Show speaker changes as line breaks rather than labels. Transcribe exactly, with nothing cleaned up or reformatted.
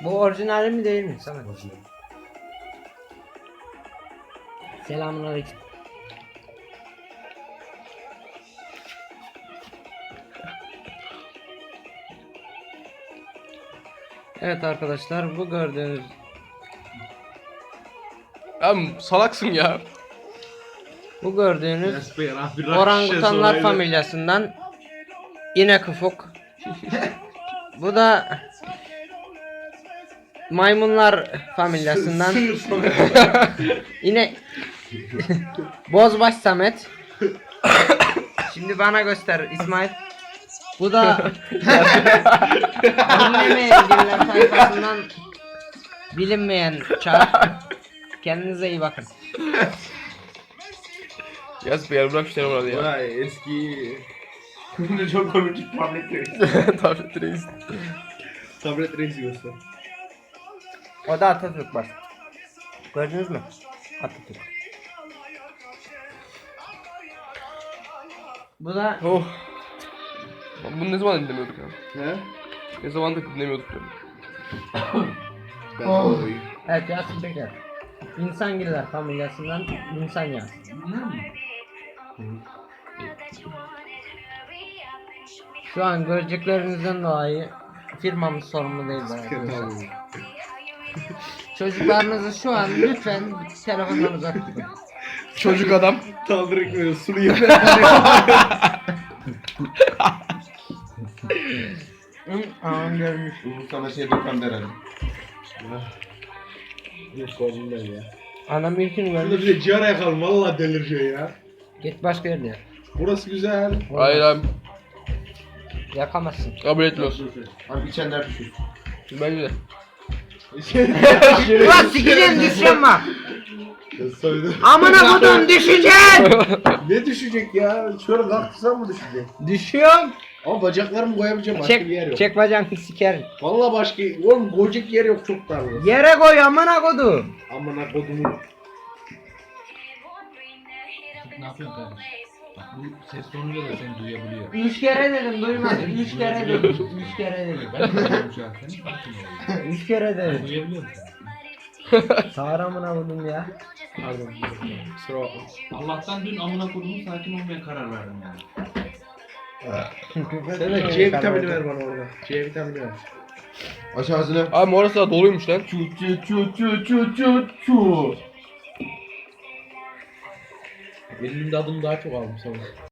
Bu orijinali mi değil mi Samet? Selamünaleyküm. Evet arkadaşlar, bu gördüğünüz
Ya salaksın ya.
bu gördüğünüz orangutanlar familyasından inek ufuk. Bu da maymunlar familyasından yine Bozbaş Samet. Şimdi bana göster İsmail. Bu da bilinmeyen diller sayfasından bilinmeyen çağ. Kendinize iyi bakın.
Yaz bir yer bırak işte orada ya.
Vay eski. Ne çok komik tablet reis.
Tablet reis.
Tablet reis göster.
O da Atatürk var. Gördünüz mü? Atatürk. Bu da
Oh. Bunu ne zaman dinlemiyorduk ya?
He?
Ne zamandır dinlemiyorduk diyorum.
Ben
Oh.
oy.
evet Yasin Peker. İnsangiller familyasından insan ya. Şu an göreceklerinizden dolayı firmamız sorumlu değil arkadaşlar. Çocuklarınızı şu an lütfen telefondan uzak tutun.
Çocuk adam.
Kaldırık böyle sulu yemek.
Hı, Ağam görmüş.
Bu sana şey dokan herhalde.
Yok oğlum ben ya.
Anam ilkini
Burada
görmüş.
bir de ciğer yakalım valla delireceği ya.
Git başka yerde yak.
Burası güzel.
Hayır abi.
Yakamazsın.
Kabul etmiyorsun.
Abi içenler düşür.
Bence de.
Ulan sikeceğim düşeceğim bak.
Soydu.
Amına kodum düşeceğim.
Ne düşecek ya? Şöyle kalktırsam mı düşecek?
Düşüyorum.
Ama bacaklarımı koyabileceğim başka bir yer
Çek,
yok.
çek bacağını sikerim.
Valla başka, oğlum koyacak yer yok çok dar burası.
Yere koy amına kodum.
Amına kodumu.
Ne yapıyorsun kardeş? Bak bu ses tonuyla da seni duyabiliyor.
Üç kere dedim duymadın. Üç kere dedim. Üç kere dedim.
Ben duyuyorum şu an seni. Farkındayım.
Üç kere dedim.
Duyabiliyor musun?
Sağır amına kodum ya.
Pardon. Kusura bakma.
Allah'tan dün amına kodumu sakin olmaya karar verdim yani.
Sen de C vitamini ver bana orada. C vitamini ver.
Aç ağzını.
Abi orası da doluymuş lan.
Çu çu çu çu çu çu çu.
Benim de adım daha çok aldım sana.